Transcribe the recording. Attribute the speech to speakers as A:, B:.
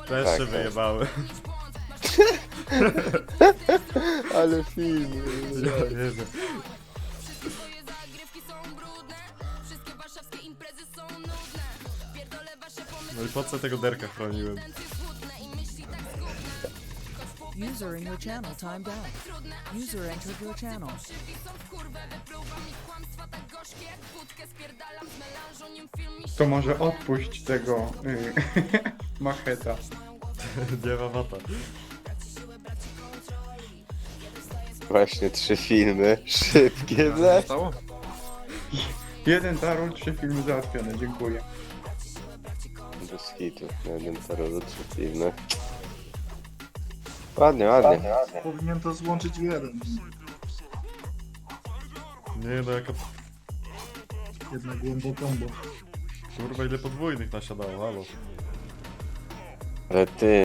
A: Też
B: Tak,
A: się
B: tak.
A: wyjebały.
B: Ale film.
A: Ja nie wiem. No i po co tego derka chroniłem?
C: User in your channel timed out. User entered your channel.
D: To może odpuść tego macheta.
A: Nie ma wata.
B: Właśnie 3 filmy. Szybkie, ble.
E: Zostało?
D: Jeden tarol, 3 filmy załatwione, dziękuję.
B: Bez hitu. Jeden tarot, 3 filmy. Ładnie, ładnie.
E: Powinien to złączyć w jeden.
A: Nie no, jaka...
E: Jedna głęboką, bo
A: Kurwa, ile podwójnych nasiadało, halo.
B: Ale ty,